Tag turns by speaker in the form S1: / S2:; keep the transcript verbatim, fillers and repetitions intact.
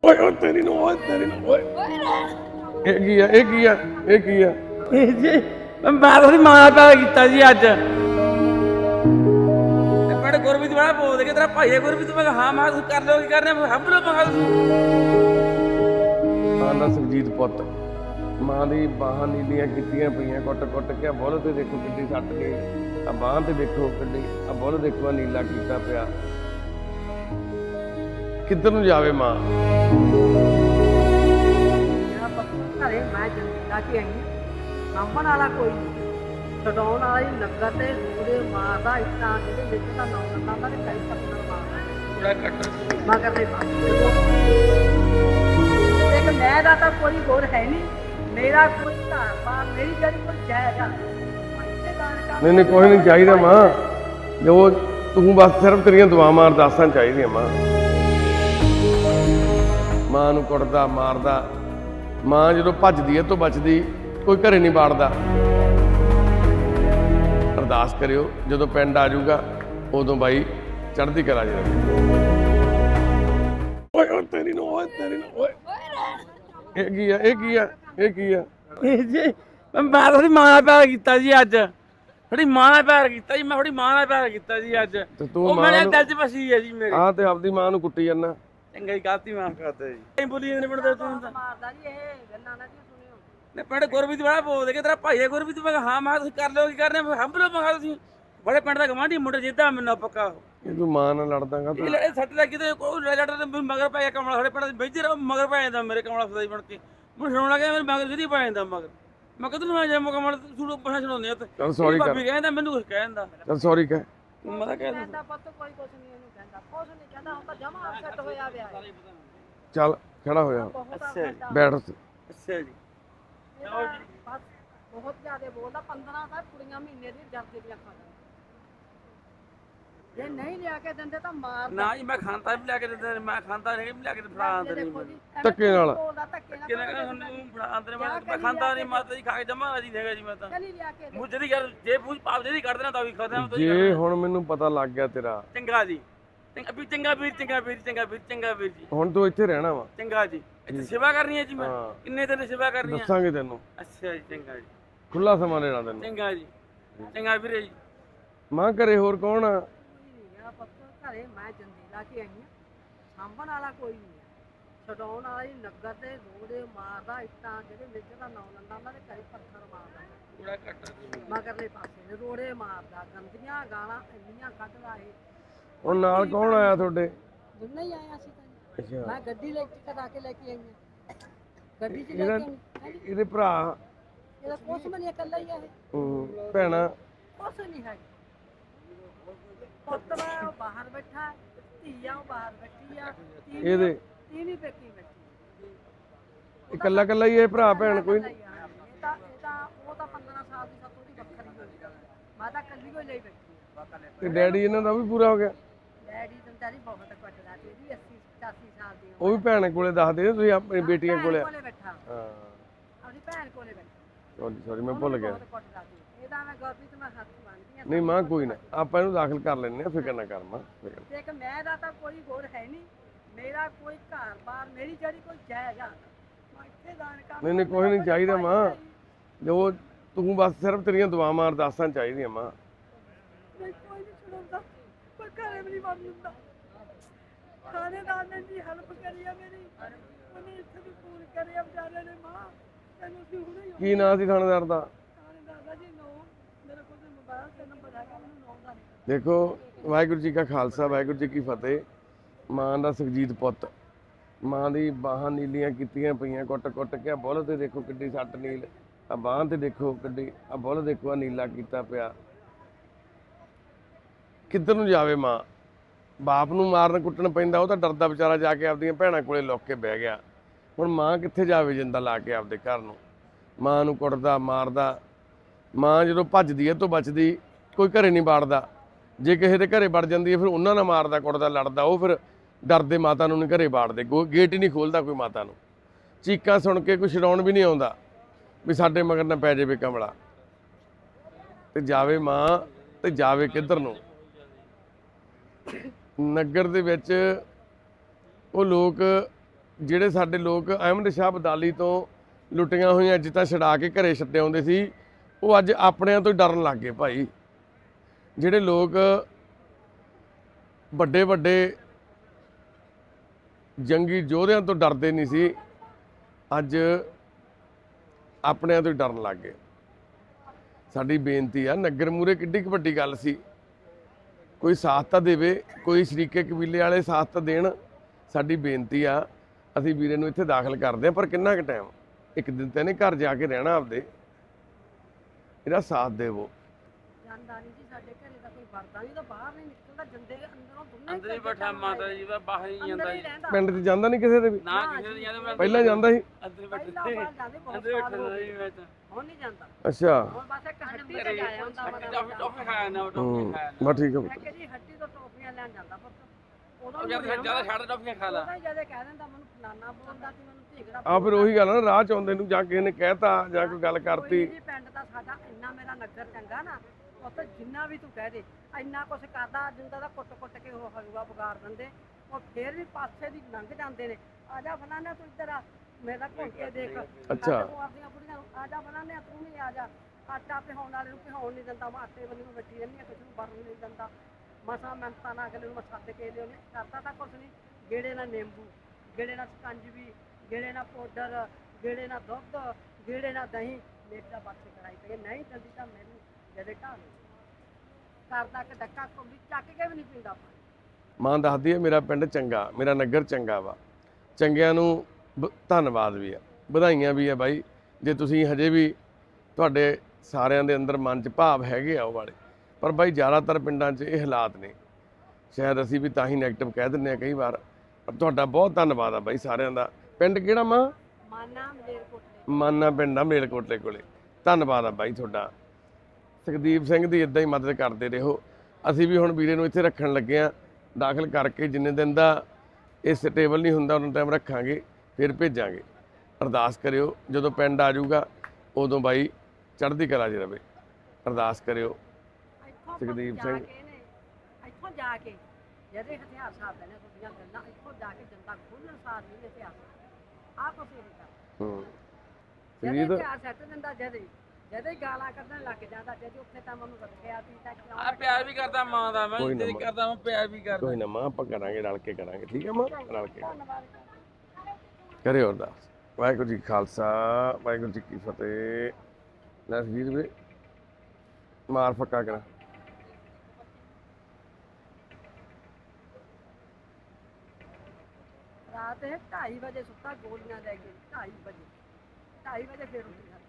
S1: ਓਏ ਓਏ ਤੇਰੀ ਨੂੰ ਓਏ ਤੇਰੀ ਨੂੰ ਓਏ ਇਹ ਕੀ ਆ ਇਹ ਕੀ ਆ ਇਹ ਕੀ ਆ
S2: ਇਹ ਜੀ ਮੈਂ ਤਾਂ ਮਾਂ ਦਾ ਪਿਆਰ ਕੀਤਾ ਜੀ ਅੱਜ ਬੜੇ ਗੁਰਬੀਤ ਵਾਲਾ ਬੋਲਦੇ ਕਿ ਤੇਰਾ ਭਾਈ ਹੈ ਗੁਰਬੀਤ। ਮੈਂ ਕਿਹਾ ਹਾਂ ਮੈਂ ਤੁਸੀਂ ਕਰ ਲਓ ਕੀ ਕਰਨਾ ਮੈਂ ਹੱਬ ਲੋ ਮੈਂ
S1: ਮਾਂ ਦਾ ਸੁਖਜੀਤ ਪੁੱਤ ਮਾਂ ਦੀ ਬਾਹਾਂ ਨੀਲੀਆਂ ਕੀਤੀਆਂ ਪਈਆਂ ਕੁੱਟ ਕੁੱਟ ਕੇ ਬੁੱਲ ਤੇ ਦੇਖੋ ਕਿੱਡੀ ਸੱਟ ਗਈ ਆ ਬਾਹਾਂ ਤੇ ਦੇਖੋ ਕਿੱਡੀ ਆ ਬੁੱਲ ਦੇਖੋ ਨੀਲਾ ਕੀਤਾ ਪਿਆ ਕਿੱਧਰ ਨੂੰ ਜਾਵੇ ਮਾਂ।
S3: ਘਰੇ ਮੈਂ ਜਿੰਦਾ ਕਿ ਆਈ ਸਾਂਭਣ ਵਾਲਾ ਕੋਈ ਨਹੀਂ ਛਡਾਉਣ ਵਾਲਾ ਹੀ ਲੱਗਾ ਤੇ ਉਹਦੇ ਮਾਂ ਦਾ ਇੱਟਾਂ ਜਿਹਦੇ ਵਿੱਚ ਦਾ ਨਾਮ ਲੰਦਾ ਉਹਨਾਂ ਨੇ ਕਈ ਪੱਤਰ ਮਾਰਨਾ
S2: ਥੋੜਾ ਕੱਟ
S3: ਮਗਰ ਦੇ ਪਾਸੇ ਇੱਕ ਮੈਂ ਦਾ ਤਾਂ ਕੋਈ ਹੋਰ ਹੈ ਨਹੀਂ ਮੇਰਾ ਕੋਈ ਘਰ ਬਾਰ ਮੇਰੀ ਜਿਹੜੀ ਕੋਈ ਜਾਇਦਾਦ
S1: ਨਹੀਂ ਨਹੀਂ ਕੋਈ ਨਹੀਂ ਚਾਹੀਦਾ ਮਾਂ ਜੋ ਤੂੰ ਬਸ ਸਿਰਫ ਤੇਰੀਆਂ ਦੁਆਵਾਂ ਅਰਦਾਸਾਂ ਚਾਹੀਦੀਆਂ ਮਾਂ। ਮਾਂ ਨੂੰ ਕੁੱਟਦਾ ਮਾਰਦਾ ਮਾਂ ਜਦੋਂ ਭੱਜਦੀ ਹੈ ਤੋਂ ਬਚਦੀ ਕੋਈ ਘਰੇ ਨਹੀਂ ਬਾੜਦਾ। ਅਰਦਾਸ ਕਰਿਓ ਜਦੋਂ ਪਿੰਡ ਆ ਜਾਊਗਾ ਉਦੋਂ ਬਾਈ ਚੜ੍ਹਦੀ ਕਲਾ ਜੀ ਓਏ ਓਏ ਤੇਰੀ ਨੂੰ ਓਏ ਤੇਰੀ ਨੂੰ ਓਏ ਇਹ ਕੀ ਆ ਇਹ ਕੀ ਆ ਇਹ ਕੀ ਆ
S2: ਇਹ ਜੀ ਮੈਂ ਤਾਂ ਮਾਂ ਦਾ ਪਿਆਰ ਕੀਤਾ ਜੀ ਅੱਜ ਥੋੜੀ ਮਾਂ ਦਾ ਪਿਆਰ ਕੀਤਾ ਜੀ ਮੈਂ ਥੋੜੀ ਮਾਂ ਦਾ ਪਿਆਰ ਕੀਤਾ ਜੀ ਅੱਜ
S1: ਤੇ ਤੂੰ
S2: ਉਹ
S1: ਮਾਂ
S2: ਮੇਰੇ
S1: ਨੂੰ
S2: ਦਿਲ 'ਚ ਵਸੀ ਹੈ ਜੀ ਮੇਰੇ
S1: ਆ ਤੇ ਆਪਦੀ ਮਾਂ ਨੂੰ ਕੁੱਟੀ ਜਾਂਦਾ
S2: ਚੰਗਾ ਹੀ ਗਲਤੀ ਮਾਫ ਕਰਦਾ ਜੀ ਨਹੀਂ ਬੋਲੀ ਨਹੀਂ ਪੜਦਾ ਤੂੰ ਤਾਂ
S3: ਮਾਰਦਾ ਜੀ ਇਹ ਗੱਲਾਂ ਨਾ ਜੀ ਸੁਣਿਓ
S2: ਨੇ ਪਿੰਡ ਗੁਰਬੀਤ ਵਾਲਾ ਬੋਲਦੇ ਕਿ ਤੇਰਾ ਭਾਈ ਹੈ ਗੁਰਬੀਤ। ਮੈਂ ਕਿਹਾ ਹਾਂ ਮੈਂ ਤੁਸੀਂ ਕਰ ਲਓ ਕੀ ਕਰਨਾ ਮੈਂ ਹੱਬ ਲੋ ਮੈਂ ਕਿਹਾ ਤੁਸੀਂ ਬੜੇ ਪਿੰਡ ਦਾ ਗਵਾਂਢੀ ਮੁੰਡੇ ਜਿੱਦਾਂ ਮੈਨੂੰ ਪੱਕਾ
S1: ਇਹ ਤੂੰ ਮਾਂ ਨਾਲ ਲੜਦਾਗਾ
S2: ਇਹ ਲੜੇ ਸੱਟ ਲੱਗੀ ਤੇ ਕੋਈ ਲੜਦਾ ਤੇ ਮਗਰ ਪੈ ਗਿਆ ਕਮਲਾ ਸਾਡੇ ਪਿੰਡ ਦੇ ਵਿੱਚ ਰੋ ਮਗਰ ਪੈ ਜਾਂਦਾ ਮੇਰੇ ਕਮਲਾ ਫਸਾਈ ਬਣ ਕੇ ਮੈਨੂੰ ਸੁਣਨ ਲੱਗਾ ਮੇਰੇ ਮਗਰ ਜਿਹਦੀ ਪੈ ਜਾਂਦਾ ਮਗਰ ਮੈਂ ਕਿਹਾ ਤੈਨੂੰ ਜੇ ਮੌਕਾ ਮੜ ਤੂੰ ਪਛਾਣ ਸੁਣਾਉਂਦੇ ਆ ਤੇ
S1: ਚੱਲ ਸੌਰੀ ਕਰ
S2: ਭਾਬੀ ਕਹਿੰਦਾ ਮੈਨੂੰ ਕੁਝ ਕਹਿ ਦਿੰਦਾ
S1: ਚੱਲ ਸੌਰੀ ਕਹਿ
S2: ਮੈਂ ਤਾਂ ਕਹਿ ਦਿੰਦਾ
S3: ਕਹਿੰਦਾ ਪੁੱਤ ਕੋਈ ਕੁਛ ਨਹੀਂ ਇਹਨੂੰ ਕਹਿੰਦਾ ਕੁਛ ਨਹੀਂ ਕਹਿੰਦਾ ਹੁਣ ਤਾਂ ਜਮਾ ਅਪਸੈਟ ਹੋਇਆ ਪਿਆ ਹੈ।
S1: ਚੱਲ ਖੜਾ ਹੋਇਆ
S3: ਬਹੁਤ
S2: ਅੱਛਾ ਜੀ।
S3: upset ਆ।
S1: ਬੈਠ ਉੱਥੇ।
S2: ਅੱਛਾ ਜੀ
S3: ਇਹਦਾ ਬਸ ਬਹੁਤ ਜ਼ਿਆਦਾ ਬੋਲਦਾ ਪੰਦਰਾਂ ਤਾਂ ਕੁੜੀਆਂ ਮਹੀਨੇ ਦੀ ਜਰਦੇ ਦੀਆਂ ਖਾ ਜਾਂਦੀਆਂ ਜੇ ਨਹੀਂ ਲਿਆ ਕੇ ਦਿੰਦੇ ਤਾਂ ਮਾਰ
S2: ਨਾ ਜੀ ਮੈਂ ਖਾਂਦਾ ਵੀ ਲਿਆ ਕੇ ਦਿੰਦਾ ਮੈਂ ਖਾਂਦਾ ਨਹੀਂ ਵੀ ਲਿਆ ਕੇ ਫੜਾ ਆਂਦੇ ਨਹੀਂ
S3: ਦੇਖੋ ਜੀ
S1: ਧੱਕੇ ਨਾਲ।
S3: ਬੋਲਦਾ ਧੱਕੇ ਨਾਲ
S2: ਕਿਹਨੇ ਕਹਿੰਦਾ ਤੁਹਾਨੂੰ ਫੜਾ ਆਂਦੇ ਮੈਂ ਮੈਂ ਖਾਂਦਾ ਨਹੀਂ ਮਾਤਾ ਜੀ ਖਾ ਕੇ ਜਮਾ ਰਾਜੀ ਨਹੀਂਗਾ ਜੀ ਮੈਂ ਤਾਂ
S3: ਚਲੀ ਲਿਆ ਕੇ ਦੇ।
S2: ਮੂੰਹ ਜਿਹੜੀ ਗੱਲ ਜੇ ਪੂਛ ਪਾਪ ਜਿਹੜੀ ਕੱਢ ਦੇਣਾ ਤਾਂ ਵੀ ਖਾਦਾ ਮੈਂ
S1: ਜੇ ਹੁਣ ਮੈਨੂੰ ਪਤਾ ਲੱਗ ਗਿਆ ਤੇਰਾ
S2: ਚੰਗਾ ਜੀ ਚੰਗਾ ਵੀ ਚੰਗਾ ਵੀਰ ਚੰਗਾ ਵੀਰ ਚੰਗਾ ਵੀਰ ਚੰਗਾ ਵੀਰ ਜੀ
S1: ਹੁਣ ਤੂੰ ਇੱਥੇ ਰਹਿਣਾ ਵਾ
S2: ਚੰਗਾ ਜੀ ਇੱਥੇ ਸੇਵਾ ਕਰਨੀ ਹੈ ਜੀ ਮੈਂ
S1: ਹਾਂ।
S2: ਕਿੰਨੇ ਦਿਨ ਸੇਵਾ ਕਰਨੀ ਹੈ
S1: ਦੱਸਾਂਗੇ ਤੈਨੂੰ
S2: ਅੱਛਾ ਜੀ ਚੰਗਾ ਜੀ
S1: ਖੁੱਲਾ ਸਮਾਂ ਦੇਣਾ ਤੈਨੂੰ
S2: ਚੰਗਾ ਜੀ ਚੰਗਾ ਵੀਰੇ ਜੀ
S1: ਮਾਂ ਘਰੇ ਹੋਰ ਕੌਣ ਆ
S3: ਕੋਈ ਨਹੀਂ ਆ ਪੁੱਤ ਘਰੇ ਮੈਂ ਜੰਦੀ ਲਾ ਕੇ ਆਈ ਆ ਸਾਂਭਣ ਵਾਲਾ ਕੋਈ ਨਹੀਂ ਛਡਾਉਣ ਵਾਲਾ ਹੀ ਨਗਰ ਤੇ ਰੋੜੇ ਮਾਰਦਾ ਇੱਟਾਂ ਜਿਹਦੇ ਵਿੱਚ ਦਾ ਨਾਮ ਲੰਦਾ ਉਹਨਾਂ ਦੇ ਕਈ ਪੱਥਰ ਮਾਰਦਾ
S2: ਥੋੜਾ ਕੱਟ
S3: ਮਗਰਲੇ ਪਾਸੇ ਰੋੜੇ ਮਾਰਦਾ ਗੰਦੀਆਂ ਗਾਲਾਂ ਇੰਨੀਆਂ ਕੱਢਦਾ ਇਹ
S1: ਹੁਣ ਨਾਲ ਕੌਣ ਆਇਆ ਤੁਹਾਡੇ
S3: ਦੋਨੇ ਹੀ ਆਏ ਅਸੀਂ ਤਾਂ ਜੀ।
S1: ਅੱਛਾ
S3: ਮੈਂ ਗੱਡੀ ਲੈ ਕੇ ਕਰਾ ਕੇ ਲੈ ਕੇ ਆਈ ਆ ਗੱਡੀ 'ਚ ਲੈ
S1: ਇਹਦਾ
S3: ਕੇ ਆਈ ਹਾਂਜੀ।
S1: ਇਹਦੇ ਭਰਾ
S3: ਇਹਦਾ ਕੁਛ ਵੀ ਨਹੀਂ ਇਕੱਲਾ ਹੀ ਆ ਇਹ
S1: ਹਮ, ਭੈਣਾ
S3: ਕੁਛ ਨਹੀਂ ਹੈ ਪੁੱਤਰ ਆ, ਉਹ ਬਾਹਰ ਬੈਠਾ ਹੈ, ਧੀ ਆ ਉਹ ਬਾਹਰ ਬੈਠੀ ਆ ਤੀਵੀਂ-
S1: ਇਹਦੇ
S3: ਤੀਵੀਂ ਪੇਕੀ ਬੈਠੀ
S1: ਇਕੱਲਾ ਇਕੱਲਾ ਹੀ ਇਹ ਭਰਾ ਭੈਣ ਕੋਈ
S3: ਇਹ ਤਾਂ ਇਹ ਤਾਂ ਉਹ ਤਾਂ ਪੰਦਰਾਂ ਸਾਲ ਦੀ ਸਭ ਤੋਂ ਵੱਖਰੀ ਹੋਈ ਮੈਂ ਤਾਂ ਕੱਲੀ ਕੋਈ ਲਈ ਬੈਠੀ ਆ
S1: ਤੇ ਡੈਡੀ ਇਹਨਾਂ ਦਾ ਵੀ ਪੂਰਾ ਹੋ ਗਿਆ
S3: ਡੈਡੀ ਤਾਂ ਤੇਰੀ ਬਹੁਤ ਕੁੱਟਦਾ ਤੇ ਇਹਦੀ ਅੱਸੀ ਪਚਾਸੀ ਸਾਲ ਦੀ
S1: ਉਹ ਵੀ ਭੈਣ ਕੋਲੇ ਦੱਸਦੇ ਤੁਸੀਂ ਆਪਣੀ ਬੇਟੀਆਂ ਕੋਲੇ
S3: ਕੋਲੇ ਬੈਠਾ
S1: ਹਾਂ
S3: ਆਪਣੀ ਭੈਣ ਕੋਲੇ ਬੈਠਾ
S1: ਸੌਰੀ ਸੌਰੀ ਮੈਂ ਭੁੱਲ ਗਿਆ
S3: ਬਹੁਤ ਕੁੱਟਦਾ ਸੀ ਇਹਦਾ ਮੈਂ ਗੁਰਪ੍ਰੀਤ ਮੈਂ ਹੱਥ ਬੰਨ੍ਹਦੀ ਆ
S1: ਨਹੀਂ ਮਾਂ ਕੋਈ ਨਾ ਆਪਾਂ ਇਹਨੂੰ ਦਾਖਲ ਕਰ ਲੈਂਦੇ ਆ ਫਿਕਰ ਨਾ ਕਰ ਮਾਂ ਫਿਕਰ
S3: ਤੇ ਇੱਕ ਮੈਂ ਦਾ ਤਾਂ ਕੋਈ ਹੋਰ ਹੈ ਨਹੀਂ ਮੇਰਾ ਕੋਈ ਘਰ ਬਾਰ ਮੇਰੀ ਜਿਹੜੀ ਕੋਈ ਜਾਇਦਾਦ ਮੈਂ ਇੱਥੇ ਦਾਨ ਕਰ
S1: ਨਹੀਂ ਨਹੀਂ ਕੋਈ ਨਹੀਂ ਚਾਹੀਦਾ ਮਾਂ ਜੋ ਤੂੰ ਬਸ ਸਿਰਫ ਤੇਰੀਆਂ ਦੁਆਵਾਂ ਅਰਦਾਸਾਂ ਚਾਹੀਦੀਆਂ ਮਾਂ।
S3: ਨਹੀਂ ਕੋਈ ਨਹੀਂ ਛੁਡਾਉਂਦਾ ਕੋਈ ਘਰੇ ਵੀ ਨਹੀਂ ਵੜ ਦਿੰਦਾ ਥਾਣੇਦਾਰ ਨੇ ਜੀ ਹੈਲਪ ਕਰੀ ਆ ਮੇਰੀ ਉਹਨੇ ਇੱਥੇ ਵੀ ਫੋਨ ਕਰਿਆ ਵਿਚਾਰੇ ਨੇ ਮਾਂ ਤੈਨੂੰ ਅਸੀਂ ਹੁਣੇ ਹੀ
S1: ਕੀ ਨਾਂ ਸੀ ਥਾਣੇਦਾਰ ਦਾ?
S3: ਥਾਣੇਦਾਰ ਦਾ ਜੀ ਨੋ ਮੇਰੇ ਕੋਲ ਤੇ ਮੋਬਾਈਲ ਤੇ ਨੰਬਰ ਹੈਗਾ ਮੈਨੂੰ ਨੋ ਦਾ ਨਹੀਂ
S1: ਦੇਖੋ ਵਾਹਿਗੁਰੂ ਜੀ ਕਾ ਖਾਲਸਾ ਵਾਹਿਗੁਰੂ ਜੀ ਕੀ ਫਤਿਹ। ਮਾਂ ਦਾ ਸੁਖਜੀਤ ਪੁੱਤ ਮਾਂ ਦੀ ਬਾਹਾਂ ਨੀਲੀਆਂ ਕੀਤੀਆਂ ਪਈਆਂ ਕੁੱਟ ਕੁੱਟ ਕੇ ਬੁੱਲ ਤੇ ਦੇਖੋ ਕਿੱਡੀ ਸੱਟ ਨੀਲ ਆ ਬਾਹਾਂ ਤੇ ਦੇਖੋ ਕਿੱਡੀ ਆ ਬੁੱਲ ਦੇਖੋ ਆ ਨੀਲਾ ਕੀਤਾ ਪਿਆ ਕਿੱਧਰ ਨੂੰ ਜਾਵੇ ਮਾਂ। ਬਾਪ ਨੂੰ ਮਾਰਨ ਕੁੱਟਣ ਪੈਂਦਾ ਉਹ ਤਾਂ ਡਰਦਾ ਵਿਚਾਰਾ ਜਾ ਕੇ ਆਪਦੀਆਂ ਭੈਣਾਂ ਕੋਲੇ ਲੁੱਕ ਕੇ ਬਹਿ ਗਿਆ। ਹੁਣ ਮਾਂ ਕਿੱਥੇ ਜਾਵੇ ਜਿੰਦਾ ਲਾ ਕੇ ਆਪਦੇ ਘਰ ਨੂੰ। ਮਾਂ ਨੂੰ ਕੁੱਟਦਾ ਮਾਰਦਾ ਮਾਂ ਜਦੋਂ ਭੱਜਦੀ ਹੈ ਤੋਂ ਬਚਦੀ ਕੋਈ ਘਰੇ ਨਹੀਂ ਬਾੜਦਾ। ਜੇ ਕਿਸੇ ਦੇ ਘਰੇ ਵੜ ਜਾਂਦੀ ਹੈ ਫਿਰ ਉਹਨਾਂ ਨਾਲ ਮਾਰਦਾ ਕੁੱਟਦਾ ਲੜਦਾ ਉਹ ਫਿਰ ਡਰਦੇ ਮਾਤਾ ਨੂੰ ਨਹੀਂ ਘਰੇ ਬਾੜਦੇ ਗੇਟ ਹੀ ਨਹੀਂ ਖੋਲਦਾ ਕੋਈ ਮਾਤਾ ਨੂੰ। ਚੀਕਾਂ ਸੁਣ ਕੇ ਕੋਈ ਛਡਾਉਣ ਵੀ ਨਹੀਂ ਆਉਂਦਾ ਵੀ ਸਾਡੇ ਮਗਰ ਨਾ ਪੈ ਜਾਵੇ ਕਮਲਾ। ਤੇ ਜਾਵੇ ਮਾਂ ਤੇ ਜਾਵੇ ਕਿੱਧਰ ਨੂੰ। ਨਗਰ ਦੇ ਵਿੱਚ ਉਹ ਲੋਕ ਜਿਹੜੇ ਸਾਡੇ ਲੋਕ ਅਹਿਮਦ ਸ਼ਾਹ ਅਬਦਾਲੀ ਤੋਂ ਲੁੱਟੀਆਂ ਹੋਈਆਂ ਇੱਜ਼ਤਾਂ ਛਡਾ ਕੇ ਘਰੇ ਛੱਡੇ ਆਉਂਦੇ ਸੀ ਉਹ ਅੱਜ ਆਪਣਿਆਂ ਤੋਂ ਹੀ ਡਰਨ ਲੱਗ ਗਏ ਭਾਈ। ਜਿਹੜੇ ਲੋਕ ਵੱਡੇ ਵੱਡੇ ਜੰਗੀ ਯੋਧਿਆਂ ਤੋਂ ਡਰਦੇ ਨਹੀਂ ਸੀ ਅੱਜ ਆਪਣਿਆਂ ਤੋਂ ਹੀ ਡਰਨ ਲੱਗ ਗਏ। ਸਾਡੀ ਬੇਨਤੀ ਆ, ਨਗਰ ਮੂਰੇ ਕਿੱਡੀ ਕੁ ਵੱਡੀ ਗੱਲ ਸੀ, ਕੋਈ ਸਾਥ ਤਾਂ ਦੇਵੇ, ਕੋਈ ਸ਼ਰੀਕੇ ਕਬੀਲੇ ਵਾਲੇ ਸਾਥ ਤਾਂ ਦੇਣ। ਸਾਡੀ ਬੇਨਤੀ ਆ, ਅਸੀਂ ਵੀਰੇ ਨੂੰ ਇੱਥੇ ਦਾਖਲ ਕਰਦੇ ਹਾਂ, ਪਰ ਕਿੰਨਾ ਕੁ ਟਾਈਮ, ਇੱਕ ਦਿਨ ਤਾਂ ਇਹਨੇ ਘਰ ਜਾ ਕੇ ਰਹਿਣਾ ਆਪਦੇ, ਇਹਦਾ ਸਾਥ ਦੇਵੋ।
S3: ਜਾਂਦਾ ਨਹੀਂ ਜੀ ਸਾਡੇ ਘਰੇ ਦਾ ਕੋਈ ਵਰਦਾ ਨਹੀਂ, ਤਾਂ ਬਾਹਰ ਨਹੀਂ ਨਿਕਲਦਾ, ਜੰਦੇ ਅੰਦਰੋਂ ਦੁਨੀਆ
S2: ਅੰਦਰ ਹੀ ਬੈਠਾ ਮਾਤਾ ਜੀ ਬਸ ਬਾਹਰ ਹੀ ਨਹੀਂ ਜਾਂਦਾ ਜੀ।
S1: ਪਿੰਡ 'ਚ ਜਾਂਦਾ ਨਹੀਂ ਕਿਸੇ ਦੇ ਵੀ?
S2: ਨਾ ਕਿਸੇ ਦੇ ਜਾਂਦਾ ਮੈਂ
S1: ਪਹਿਲਾਂ ਜਾਂਦਾ ਸੀ?
S2: ਅੰਦਰ
S3: ਪਹਿਲਾਂ
S2: ਬੈਠੇ
S3: ਬਾਹਰ ਜਾਂਦੇ ਬਹੁਤ
S2: ਅੰਦਰ
S3: ਸਾਲ ਹੋ
S2: ਬੈਠਾ
S3: ਗਏ,
S2: ਜੀ ਮੈਂ ਤਾਂ
S3: ਹੁਣ ਨਹੀਂ ਜਾਂਦਾ।
S1: ਅੱਛਾ,
S3: ਹੁਣ ਬਸ ਇੱਕ ਹੱਟੀ ਤੇ ਜਾਇਆ ਹੁੰਦਾ
S2: ਟੋਫੀ
S3: ਮਤਲਬ
S2: ਟੋਫੀ ਖਾਇਆ ਨਾ
S1: ਹੂੰ
S2: ਟੋਫੀ ਖਾਇਆ ਨਾ
S1: ਬਸ ਠੀਕ ਆ।
S3: ਮੈਂ ਕਿਹਾ ਜੀ ਹੱਟੀ ਤੋਂ ਟੋਪੀਆਂ ਲੈਣ ਜਾਂਦਾ ਪੁੱਤ, ਉਦੋਂ
S2: ਉਹ ਜਦ ਜਿਆਦਾ ਛੱਡ ਟੋਫੀਆਂ ਖਾ ਲਾ।
S3: ਉਹਦਾ ਹੀ ਜਦੇ ਕਹਿ ਦਿੰਦਾ ਮੈਨੂੰ ਫਲਾਨਾ ਬੋਲਦਾ ਸੀ, ਮੈਨੂੰ ਢੀਗੜਾ
S1: ਆ ਫਿਰ ਉਹੀ ਗੱਲ ਆ ਨਾ, ਰਾਹ ਚ ਆਉਂਦੇ ਨੂੰ ਜਾਂ ਕਿਸੇ ਨੇ ਕਹਿਤਾ ਜਾਂ ਕੋਈ ਗੱਲ ਕਰਤੀ।
S3: ਜੀ ਪਿੰਡ ਦਾ ਸਾਡਾ ਇੰਨਾ ਮੇਰਾ ਨਗਰ ਚੰਗਾ ਨਾ, ਉੱਥੇ ਜਿੰਨਾ ਵੀ ਤੂੰ ਕਹਿ ਦੇ ਇੰਨਾ ਕੁਛ ਕਰਦਾ, ਜਿੰਦਾ ਦਾ ਕੁੱਟ ਕੁੱਟ ਕੇ ਉਹ ਹਲਵਾ ਵਿਗਾੜ ਦਿੰਦੇ, ਉਹ ਫੇਰ ਵੀ ਪਾਸੇ ਦੀ ਲੰਘ ਜਾਂਦੇ ਨੇ। ਆ ਜਾ ਫਲਾਨਾ ਤੂੰ ਇੱਧਰ ਆ, ਮੇਰਾ ਘੁੰਮ ਕੇ ਦੇਖ।
S1: ਅੱਛਾ।
S3: ਉਹ ਆਪਣੀਆਂ ਬੁੜੀਆਂ ਨੂੰ ਆ ਜਾ ਫਲਾਨਾ ਤੂੰ ਵੀ ਆ ਜਾ, ਆਟਾ ਪਿਹਾਉਣ ਵਾਲੇ ਨੂੰ ਪਿਹਾਉਣ ਨਹੀਂ ਦਿੰਦਾ, ਮੈਂ ਆਟੇ ਬੰਨੀ ਨੂੰ ਬੈਠੀ ਰਹਿੰਦੀ ਆ, ਕਿਸੇ ਨੂੰ ਬਰਨ ਨਹੀਂ ਦਿੰਦਾ। ਮਸਾਂ ਮਿਹਨਤਾਂ ਨਾਲ ਅਗਲੇ ਨੂੰ ਮੈਂ ਸੱਦ ਕੇ ਲਿਆਉਂਦੇ, ਕਰਦਾ ਤਾਂ ਕੁਛ ਨਹੀਂ, ਗੇੜੇ ਨਾਲ ਨਿੰਬੂ, ਗੇੜੇ ਨਾਲ ਸਕੰਜਵੀ, ਗੇੜੇ ਨਾਲ ਪਾਊਡਰ, ਗੇੜੇ ਨਾਲ ਦੁੱਧ, ਗੇੜੇ ਨਾਲ ਦਹੀਂ, ਮੇਰੇ ਦਾ ਬਾਕੀ ਕਰਾਈ ਪਈ ਨਹੀਂ ਜਲਦੀ ਤਾਂ ਮੈਨੂੰ ਜਦੇ ਢਾਹ ਲਓ। ਕਰਦਾ ਕਿ ਡੱਕਾ ਕੋਲੀ ਚੱਕ ਕੇ ਵੀ ਨਹੀਂ ਪੀਂਦਾ ਪਾਣੀ।
S1: ਮਾਂ ਦੱਸਦੀ ਹੈ ਮੇਰਾ ਪਿੰਡ ਚੰਗਾ, ਮੇਰਾ ਨਗਰ ਚੰਗਾ ਵਾ। ਚੰਗਿਆਂ ਨੂੰ ਬ- ਧੰਨਵਾਦ ਵੀ ਆ, ਵਧਾਈਆਂ ਵੀ ਆ ਬਾਈ, ਜੇ ਤੁਸੀਂ ਹਜੇ ਵੀ ਤੁਹਾਡੇ ਸਾਰਿਆਂ ਦੇ ਅੰਦਰ ਮਨ 'ਚ ਭਾਵ ਹੈਗੇ ਆ ਉਹ ਵਾਲੇ। ਪਰ ਬਾਈ ਜ਼ਿਆਦਾਤਰ ਪਿੰਡਾਂ 'ਚ ਇਹ ਹਾਲਾਤ ਨੇ, ਸ਼ਾਇਦ ਅਸੀਂ ਵੀ ਤਾਂ ਹੀ ਨੈਗੇਟਿਵ ਕਹਿ ਦਿੰਦੇ ਆ ਕਈ ਵਾਰ। ਪਰ ਤੁਹਾਡਾ ਬਹੁਤ ਧੰਨਵਾਦ ਆ ਬਾਈ ਸਾਰਿਆਂ ਦਾ। ਪਿੰਡ ਕਿਹੜਾ ਮਾਂ?
S3: ਮਾਨਾ ਮਲੇਰਕੋਟਲੇ।
S1: ਮਾਨਾ ਪਿੰਡ ਆ ਮਲੇਰਕੋਟਲੇ ਕੋਲੇ। ਧੰਨਵਾਦ ਆ ਬਾਈ ਤੁਹਾਡਾ। ਸੁਖਦੀਪ ਸਿੰਘ ਦੀ ਇਦਾਂ ਹੀ ਮਦਦ ਕਰਦੇ ਰਹੋ। ਅਸੀਂ ਵੀ ਹੁਣ ਵੀਰੇ ਨੂੰ ਇੱਥੇ ਰੱਖਣ ਲੱਗੇ ਆ, ਦਾਖਲ ਕਰਕੇ ਜਿੰਨੇ ਦਿਨ ਦਾ ਇਹ ਸਟੇਬਲ ਨਹੀਂ ਹੁੰਦਾ ਉਹਨਾਂ ਟਾਈਮ ਰੱਖਾਂਗੇ, ਫਿਰ ਭੇਜਾਂਗੇ। ਅਰਦਾਸ ਕਰਿਓ, ਜਦੋਂ ਪਿੰਡ ਆ ਜਾਊਗਾ ਉਦੋਂ ਬਾਈ ਚੜ੍ਹਦੀ ਕਲਾ 'ਚ ਰਵੇ। ਅਰਦਾਸ ਕਰਿਓ।
S3: ਇੱਥੋਂ
S1: ਸੁਖਦੀਪ
S3: ਜਾ
S1: ਸਿੰਘ।
S3: ਕੇ ਨੇ, ਇੱਥੋਂ ਜਾ ਕੇ ਜਿਹਦੇ ਹਥਿਆਰ ਸਾਹਿਬ ਨੇ ਤੁਹਾਡੀਆਂ ਗੱਲਾਂ, ਇੱਥੋਂ ਜਾ ਕੇ ਜਨਤਾ ਖੁੱਲ੍ਹਣ ਸਾਰ ਨਹੀਂ ਹਥਿਆਰ ਆਹ ਕੁਛ ਇਹ ਕਰਦਾ।
S1: ਹੂੰ
S3: ਜਿਹਦੇ
S1: ਸੁਖਜੀਤ,
S3: ਹਥਿਆਰ ਸੱਟ ਦਿੰਦਾ, ਜਦੇ ਜਦੇ ਹੀ ਗਾਲਾਂ ਕੱਢਣ ਲੱਗ ਜਾਂਦਾ, ਜਦੇ ਉੱਥੇ ਤਾਂ ਮੈਨੂੰ ਰੱਖਿਆ ਵੀ ਤਾਂ ਕਿਉਂ
S2: ਆ ਪਿਆਰ ਵੀ ਕਰਦਾ ਮਾਂ ਦਾ, ਮੈਂ
S1: ਕੋਈ ਨਾ
S2: ਤੇਰੀ
S1: ਮਾਂ।
S2: ਕਰਦਾ ਮੈਂ ਪਿਆਰ ਵੀ ਕਰਦਾ।
S1: ਕੋਈ ਨਾ ਮਾਂ, ਆਪਾਂ ਕਰਾਂਗੇ, ਰਲ ਕੇ ਕਰਾਂਗੇ। ਠੀਕ ਹੈ ਮਾਂ, ਰਲ ਕੇ
S3: ਧੰਨਵਾਦ।
S1: ਕਰਿਓ ਅਰਦਾਸ। ਵਾਹਿਗੁਰੂ ਜੀ ਕਾ ਖਾਲਸਾ, ਵਾਹਿਗੁਰੂ ਜੀ ਕੀ ਫਤਿਹ। ਲੈ ਸੁਖਜੀਤ ਵੀ ਮਾਰ ਫੱਕਾ ਕਰਾਂ।
S3: ਰਾਤ ਇਹ ਢਾਈ ਵਜੇ ਸੁੱਤਾ, ਗੋਲੀਆਂ ਲੈ ਕੇ ਢਾਈ ਵਜੇ ਢਾਈ ਵਜੇ ਫਿਰ ਉੱਠਿਆ।